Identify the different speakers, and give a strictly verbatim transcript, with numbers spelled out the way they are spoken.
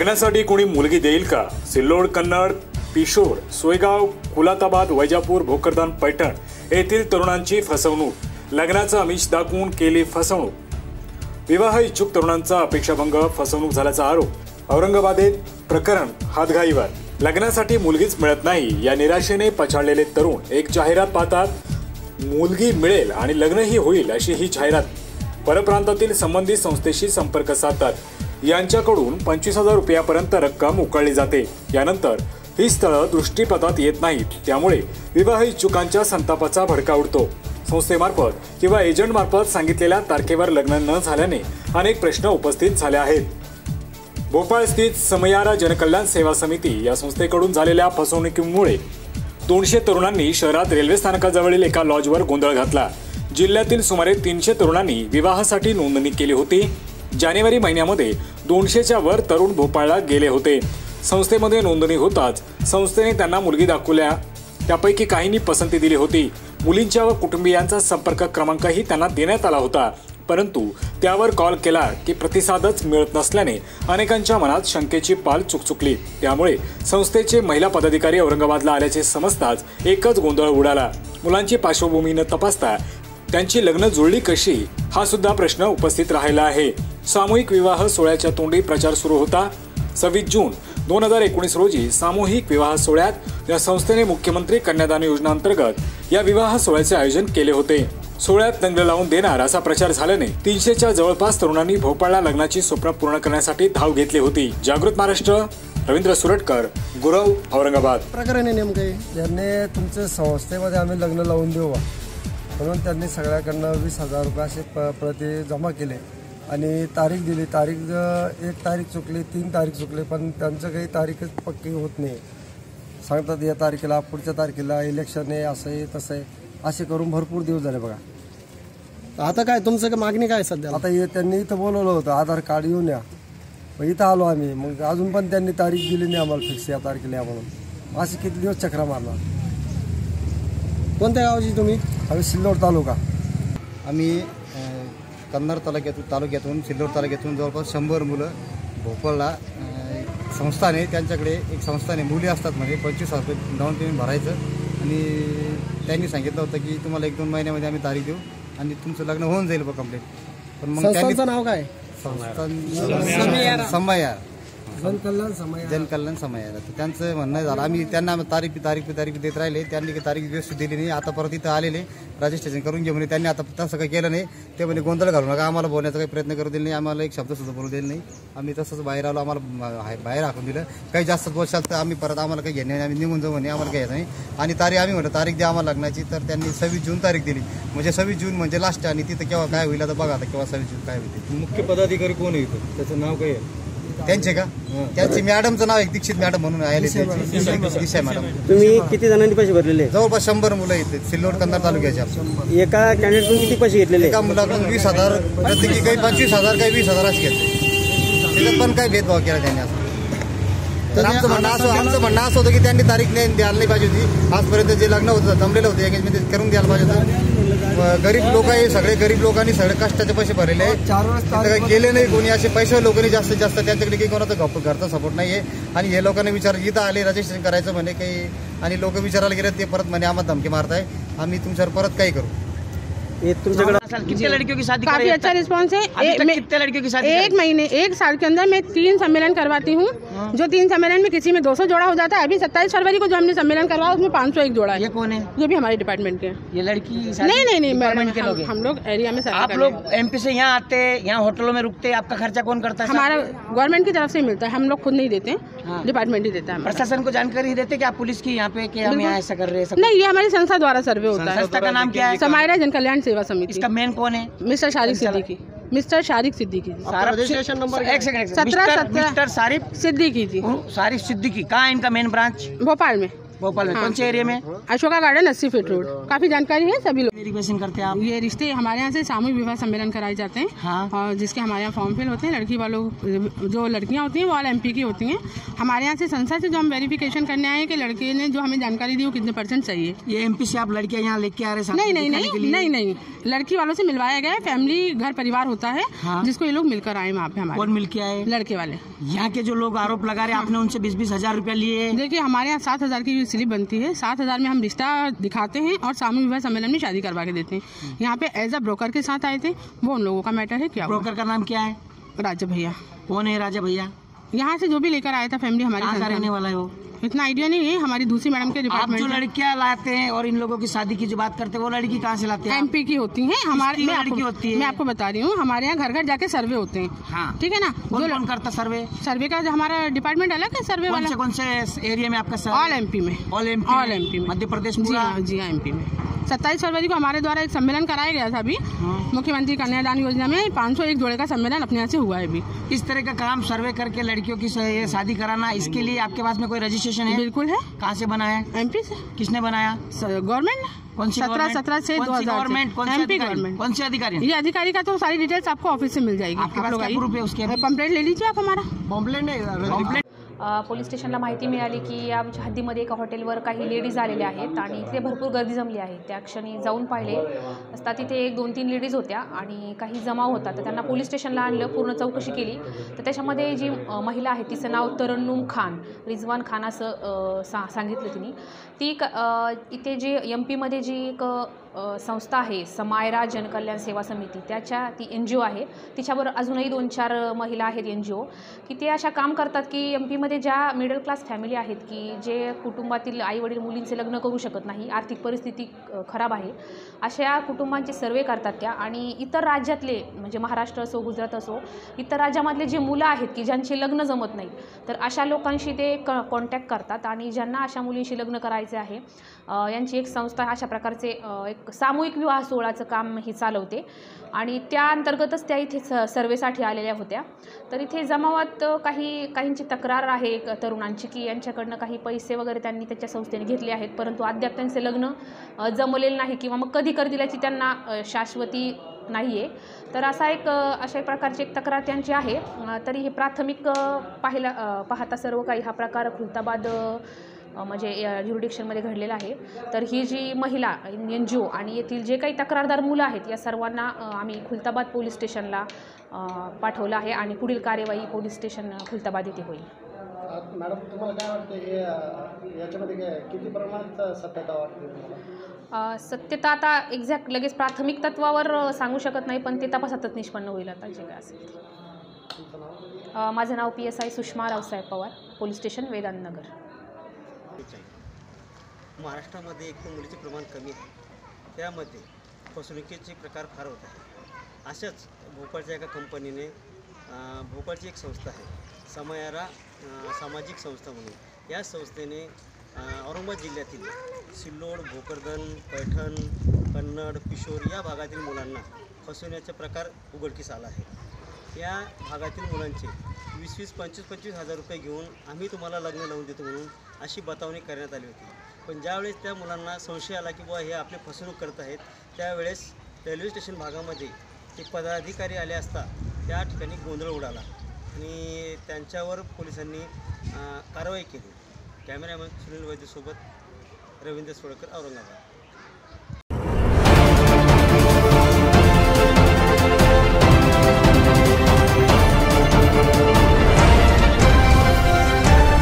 Speaker 1: लग्नासाठी कोणी मुलगी देईल का? सिल्लोड, कन्नड, पिशोर, सोयगाव, कुलाताबाद, वैजापूर, भोकरदान, पैठण येथील तरुणांची फसवणूक. लग्नाचं आमिष दाखवून केली फसवणूक. विवाह इच्छुक तरुणांचा अपेक्षाभंग, फसवणूक झाल्याचा आरोप. औरंगाबादेत प्रकरण हातघाईवर. लग्नासाठी मुलगीच मिळत नाही या निराशेने पछाडलेले तरुण एक जाहिरात पाहतात. मुलगी मिळेल आणि लग्नही होईल अशी ही जाहिरात. परप्रांतातील संबंधित संस्थेशी संपर्क साधतात. यांच्याकडून पंचवीस हजार रुपयापर्यंत रक्कम उकळली जाते. यानंतर ही स्थळं दृष्टीपथात येत नाहीत. त्यामुळे विवाह इच्छुकांच्या संतापाचा भडका उडतो. संस्थेमार्फत किंवा एजंटमार्फत सांगितलेल्या तारखेवर लग्न न झाल्याने अनेक प्रश्न उपस्थित झाले आहेत. भोपाळ स्थित समयारा जनकल्याण सेवा समिती या संस्थेकडून झालेल्या फसवणुकीमुळे दोनशे तरुणांनी शहरात रेल्वे स्थानकाजवळील एका लॉजवर गोंधळ घातला. जिल्ह्यातील सुमारे तीनशे तरुणांनी विवाहासाठी नोंदणी केली होती. जानेवारी महिन्यामध्ये दोनशेच्या वर तरुण भोपाळला गेले होते. संस्थेमध्ये नोंदणी होताच संस्थेने त्यांना मुलगी दाखवल्या. त्यापैकी काहींनी पसंती दिली होती. मुलींच्या व कुटुंबियांचा संपर्क क्रमांकही त्यांना देण्यात आला होता. परंतु त्यावर कॉल केला की प्रतिसादच मिळत नसल्याने अनेकांच्या मनात शंकेची पाल चुकचुकली. त्यामुळे संस्थेचे महिला पदाधिकारी औरंगाबादला आल्याचे समजताच एकच गोंधळ उडाला. मुलांची पार्श्वभूमी न तपासता त्यांची लग्न जुळली कशी हा सुद्धा प्रश्न उपस्थित राहिला आहे. सामूहिक विवाह सोहळ्याच्या तोंडी प्रचार सुरू होता. सव्वीस जून दोन हजार एकोणीस रोजी सामूहिक विवाह सोहळ्यात या संस्थेने मुख्यमंत्री कन्यादान योजना अंतर्गत या विवाह सोहळ्याचे आयोजन केले होते. सोहळ्यात लग्न लावून देणार असा प्रचार झाल्याने तीनशेच्या जवळपास तरुणांनी भोपाळला लग्नाची स्वप्न पूर्ण करण्यासाठी धाव घेतली होती. जागृत महाराष्ट्र, रवींद्र सुरटकर, गुरव, औरंगाबाद.
Speaker 2: प्रकरण आहे नेमके यांनी तुमच्या संस्थेमध्ये आम्ही लग्न लावून देऊ म्हणून त्यांनी सगळ्याकडनं वीस हजार रुपये असे प्रति जमा केले आणि तारीख दिली. तारीख एक तारीख चुकली, तीन तारीख चुकली, पण त्यांचं काही तारीखच पक्की होत नाही. सांगतात या तारखेला, पुढच्या तारखेला इलेक्शन आहे, असं आहे तसं आहे, असे करून भरपूर दिवस झाले बघा.
Speaker 3: आता काय तुमचं काय मागणी काय सध्या?
Speaker 2: आता हे त्यांनी इथं बोलवलं होतं आधार कार्ड येऊन या, मग इथं आलो आम्ही. मग अजून पण त्यांनी तारीख दिली नाही आम्हाला फिक्स या तारखेला या म्हणून. असे किती दिवस चक्रा मारणार.
Speaker 3: कोणत्या गावाची तुम्ही?
Speaker 2: आम्ही सिल्लोड तालुका.
Speaker 4: आम्ही कन्नड तालुक्यातून तालुक्यातून सिल्लोड तालुक्यातून जवळपास शंभर मुलं भोपाळला संस्थाने त्यांच्याकडे एक संस्थाने मुली असतात म्हणजे पंचवीस हजार रुपये डाऊन पेमेंट भरायचं आणि त्यांनी सांगितलं होतं की तुम्हाला एक दोन महिन्यामध्ये आम्ही तारीख देऊ आणि तुमचं लग्न होऊन जाईल बघ कंप्लीट.
Speaker 3: पण मग त्यांचं नाव काय?
Speaker 4: संस्थान समयार
Speaker 2: जनकल्याण समयार
Speaker 4: जनकल्याण समयार. तर त्यांचं म्हणणं झालं आम्ही त्यांना तारीख तारीख तारीख देत राहिले. त्यांनी काही तारीख व्यवस्थित दिली नाही. आता परत इथं आलेले रजिस्ट्रेशन करून घे म्हणे. त्यांनी आता तसं काही केलं नाही. ते म्हणे गोंधळ घालू नका, आम्हाला बोलण्याचा काही प्रयत्न करू दिला नाही, आम्हाला एक शब्द सुद्धा बोलू दिला नाही. आम्ही तसंच बाहेर आलो, आम्हाला बाहेर हाकून दिलं. काही जास्त बोलशाल तर आम्ही परत आम्हाला काही घेणे आम्ही निघून जाऊ म्हणे, आम्हाला काही येत नाही. आणि तारीख आम्ही म्हणतो तारीख द्या आम्हाला लग्नाची. तर त्यांनी सव्वीस जून तारीख दिली. म्हणजे सव्वीस जून म्हणजे लास्ट. आणि तिथं केव्हा काय होईल आता बघा, आता केव्हा सव्वीस जून काय होते.
Speaker 5: मुख्य पदाधिकारी कोण येतो त्याचं नाव काय आहे
Speaker 4: त्यांचे का? त्यांची मॅडमचं नाव आहे दीक्षित मॅडम म्हणून आहे. दिशा मॅडम.
Speaker 3: तुम्ही किती जणांनी पैसे भरलेले?
Speaker 4: जवळपास शंभर मुलं येते सिल्लोड कन्नड तालुक्याच्या.
Speaker 3: एका कॅन्डिडेटकडून किती पैसे घेतलेले?
Speaker 4: एका मुलाकडून वीस हजार प्रत्येकी, काही पंचवीस हजार काही वीस हजार असे घेतले. त्याच्यात पण काही भेदभाव केला त्यांनी. असं तर आमचं म्हणणं असं आमचं म्हणणं असं होतं की त्यांनी तारीख नाही द्यायला नाही पाहिजे होती. आजपर्यंत जे लग्न होतं जमलेलं होतं एंगेजमेंट ते करून द्यायला पाहिजे होतं. गरीब लोक आहे, सगळे गरीब लोकांनी सगळे कष्टाचे पैसे भरलेले आहे. काही केले नाही कोणी. असे पैसे लोकांनी जास्तीत जास्त त्यांच्याकडे काही कोणाचा घरचा सपोर्ट नाही आहे. आणि हे लोकांनी विचार इथं आले रजिस्ट्रेशन करायचं म्हणे काही आणि लोक विचारायला गेले ते परत म्हणे आम्हाला धमकी मारताय, आम्ही तुमच्यावर परत काही करू.
Speaker 6: कितने लड़कियों की शादी?
Speaker 7: काफी अच्छा रिस्पांस है।
Speaker 6: एक, कितने लड़कियों की शादी?
Speaker 7: एक महीने एक साल के अंदर मैं तीन सम्मेलन करवाती हूँ। जो तीन सम्मेलन में किसी में दो सौ जोड़ा हो जाता है। अभी सत्ताईस फरवरी को जो हमने सम्मेलन करवाया उसमें पाँच सौ एक जोड़ा है।
Speaker 6: ये कौन है?
Speaker 7: ये भी हमारे डिपार्टमेंट के।
Speaker 6: ये लड़की
Speaker 7: नहीं नहीं नहीं
Speaker 6: डिपार्टमेंट के लोग?
Speaker 7: हम लोग एरिया में।
Speaker 6: आप लोग एमपी से यहाँ आते, यहाँ होटलों में रुकते, आपका खर्चा कौन करता है?
Speaker 7: हमारा गवर्नमेंट की तरफ से मिलता है, हम लोग खुद नहीं देते, डिपार्टमेंट ही देता है।
Speaker 6: प्रशासन को जानकारी देते कि आप पुलिस की यहाँ पे कि हम यहाँ ऐसा कर रहे हैं?
Speaker 7: नहीं, ये हमारी संस्था द्वारा सर्वे होता है।
Speaker 6: संस्था का नाम क्या है?
Speaker 7: समायरा जनकल्याण सेवा समिति।
Speaker 6: इसका मेन कौन है?
Speaker 7: Mister Shariq Siddiqui. Mister Shariq Siddiqui ji.
Speaker 6: Registration number एक सेकंड।
Speaker 7: सत्रह सत्रह
Speaker 6: मिस्टर शारिक
Speaker 7: सिद्दीकी जी।
Speaker 6: शारिक सिद्दीकी। कहाँ है इनका मेन ब्रांच?
Speaker 7: भोपाल में।
Speaker 6: भोपाल में कौन से एरिया में?
Speaker 7: अशोका गार्डन अस्सी फीट रोड। काफी जानकारी है सभी लोग।
Speaker 6: वेरिफिकेशन करते हैं आप?
Speaker 7: ये रिश्ते हमारे यहाँ से सामूहिक विवाह सम्मेलन कराए जाते हैं।
Speaker 6: हाँ।
Speaker 7: और जिसके हमारे यहाँ फॉर्म फिल होते हैं। लड़की वालों जो लड़कियाँ होती हैं वो ऑल एमपी की होती हैं। हमारे यहाँ से संस्था से जो हम वेरिफिकेशन करने आए हैं कि लड़के ने जो हमें जानकारी दी वो कितने परसेंट चाहिए।
Speaker 6: ये एमपी से आप लड़कियां यहाँ लेके आ रहे हैं?
Speaker 7: नहीं नहीं नहीं नहीं नहीं लड़की वालों से मिलवाया गया है। फैमिली घर परिवार होता है।
Speaker 6: हाँ।
Speaker 7: जिसको ये लोग मिलकर आए वहाँ पे। हमारे
Speaker 6: कौन मिलके आए?
Speaker 7: लड़के वाले।
Speaker 6: यहाँ के जो लोग आरोप लगा रहे हैं आपने उनसे बीस बीस हजार रुपया लिए।
Speaker 7: देखिए हमारे यहाँ सात हजार की स्लिप बनती है। सात हजार में हम रिश्ता दिखाते हैं और सामूहिक विवाह सम्मेलन में शादी करवा के देते हैं। यहाँ पे एज अ ब्रोकर के साथ आए थे। वो उन लोगों का मैटर है। क्या
Speaker 6: ब्रोकर का नाम क्या है?
Speaker 7: राजा भैया।
Speaker 6: कौन है राजा भैया?
Speaker 7: यहाँ से जो भी लेकर आया था फैमिली हमारी।
Speaker 6: कहाँ का रहने वाला है वो?
Speaker 7: इतना आइडिया नहीं है। हमारी दूसरी मैडम के
Speaker 6: आप जो
Speaker 7: डिपार्टमेंट
Speaker 6: लड़कियां लाते हैं और इन लोगों की शादी की जो बात करते हैं वो लड़की कहाँ से लाते हैं?
Speaker 7: एमपी की होती हैं। हमारे
Speaker 6: किसकी
Speaker 7: मैं
Speaker 6: लड़की
Speaker 7: आपको-
Speaker 6: होती है?
Speaker 7: मैं आपको बता रही हूँ। हमारे यहाँ घर घर जाके सर्वे होते हैं।
Speaker 6: हाँ।
Speaker 7: ठीक है ना।
Speaker 6: कौन
Speaker 7: जो
Speaker 6: कौन करता सर्वे?
Speaker 7: सर्वे का जो हमारा डिपार्टमेंट अलग है सर्वे
Speaker 6: कौन
Speaker 7: वाला।
Speaker 6: से कौन से एरिया में आपका
Speaker 7: ऑल एमपी में।
Speaker 6: ऑल एमपी
Speaker 7: ऑल एमपी में।
Speaker 6: मध्य प्रदेश
Speaker 7: जी
Speaker 6: पूरा?
Speaker 7: हाँ जी हाँ एमपी में। सत्ताईस फरवरी को हमारे द्वारा एक सम्मेलन कराया गया था। अभी मुख्यमंत्री कन्यादान योजना में पाँच सौ एक जोड़े का सम्मेलन अपने यहाँ से हुआ है। अभी
Speaker 6: इस तरह का काम सर्वे करके लड़कियों की स- शादी कराना, इसके लिए आपके पास में कोई रजिस्ट्रेशन है?
Speaker 7: बिल्कुल है।
Speaker 6: कहाँ से बना है?
Speaker 7: एमपी से।
Speaker 6: किसने बनाया?
Speaker 7: गवर्नमेंट।
Speaker 6: कौन सी
Speaker 7: सत्रह
Speaker 6: गवर्नमेंट?
Speaker 7: सत्रह से
Speaker 6: कौन
Speaker 7: दो
Speaker 6: सी
Speaker 7: हजार
Speaker 6: गवर्नमेंट? कौन से
Speaker 7: एमपी
Speaker 6: अधिकारी?
Speaker 7: गवर्नमेंट।
Speaker 6: कौन से अधिकारी?
Speaker 7: ये अधिकारी का तो सारी डिटेल्स आपको ऑफिस से मिल जाएगी।
Speaker 6: आपके पास
Speaker 7: लोग
Speaker 6: क्या
Speaker 7: आइए।
Speaker 6: प्रूफ है उसके?
Speaker 7: कंप्लेंट ले लीजिए आप हमारा।
Speaker 6: कॉम्प्लेन कॉम्प्लेन
Speaker 8: अ, पोलीस स्टेशनला माहिती मिळाली की आमच्या हद्दीमध्ये एका हॉटेलवर काही लेडीज आलेल्या आहेत आणि इथे भरपूर गर्दी जमली आहे. त्या क्षणी जाऊन पाहिले असता तिथे एक दोन तीन लेडीज होत्या आणि काही जमाव होता. तर त्यांना पोलीस स्टेशनला आणलं. पूर्ण चौकशी केली तर त्याच्यामध्ये जी अ, महिला आहे तिचं नाव तरन्नुम खान, रिजवान खान असं अ, सा सांगितलं तिने. ती क अ, इथे जी एम पीमध्ये जी एक अ, संस्था आहे समायरा जनकल्याण सेवा समिती, त्याच्या ती एन जी ओ आहे. तिच्याबरोबर अजूनही दोन चार महिला आहेत एन जी ओ की ते अशा काम करतात की एम पीमध्ये ज्या मिडल क्लास फॅमिली आहेत की जे कुटुंबातील आईवडील मुलींचे लग्न करू शकत नाही, आर्थिक परिस्थिती अ, खराब आहे, अशा कुटुंबांचे सर्वे करतात त्या. आणि इतर राज्यातले म्हणजे महाराष्ट्र असो गुजरात असो इतर राज्यामधले जे मुलं आहेत की ज्यांची लग्न जमत नाही तर अशा लोकांशी ते क कॉन्टॅक्ट करतात आणि ज्यांना अशा मुलींशी लग्न करायचे आहे अ, यांची एक संस्था अशा प्रकारचे अ, एक सामूहिक विवाह सोहळाचं काम ही चालवते आणि त्या अंतर्गतच त्या इथे स सर्वेसाठी आलेल्या होत्या. तर इथे जमावात काही काहींची तक्रार आहे एक तरुणांची की यांच्याकडनं काही पैसे वगैरे त्यांनी त्याच्या संस्थेने घेतले आहेत परंतु अद्याप त्यांचे लग्न अ, जमलेलं नाही किंवा मग कधी करतील याची त्यांना अ, शाश्वती नाही आहे. तर असा एक अ, अशा प्रकारची एक तक्रार त्यांची आहे. अ, तरी हे प्राथमिक अ, पाहिला अ, पाहता सर्व काही हा प्रकार खुलताबाद अ, म्हणजे ज्युरिडिक्शनमध्ये घडलेला आहे. तर ही जी महिला एन जी ओ आणि येथील जे काही तक्रारदार मुलं आहेत या सर्वांना अ, आम्ही खुलताबाद पोलीस स्टेशनला अ, पाठवलं आहे आणि पुढील कार्यवाही पोलीस स्टेशन खुलताबाद येथे होईल.
Speaker 3: मॅडम तुम्हाला काय वाटतं हे याच्यामध्ये काय किती प्रमाणात सत्यता वाटते तुम्हाला?
Speaker 8: अ, सत्यता आता एक्झॅक्ट लगेच प्राथमिक तत्वावर अ, सांगू शकत नाही पण ते तपासातच निष्पन्न होईल आता जे काय असेल ते. अ, माझं नाव P S I Sushma Raosaheb Pawar, police station Vedantnagar.
Speaker 9: महाराष्ट्रामध्ये एक तर मुलीचे प्रमाण कमी आहे, त्यामध्ये फसवणुकीचे प्रकार फार होत आहे. अशाच भोपाळच्या एका कंपनीने भोपाळची एक संस्था आहे समायरा सामाजिक संस्था म्हणून, या संस्थेने औरंगाबाद जिल्ह्यातील सिल्लोड, भोकरदन, पैठण, कन्नड, पिशोर या भागातील मुलांना फसवण्याचा प्रकार उघडकीस आला आहे. या भागातील मुलांचे वीस वीस पंचवीस पंचवीस हजार रुपये घेऊन आम्ही तुम्हाला लग्न लावून देतो म्हणून अशी बतावणी करण्यात आली होती. पण ज्यावेळेस त्या मुलांना संशय आला की बुवा हे आपले फसवणूक करत आहेत, त्यावेळेस रेल्वे स्टेशन भागामध्ये ते पदाधिकारी आले असता त्या ठिकाणी गोंधळ उडाला आणि त्यांच्यावर पोलिसांनी कारवाई केली. कॅमेरामॅन सुनील वैद्यसोबत रवींद्र सोळकर, औरंगाबाद.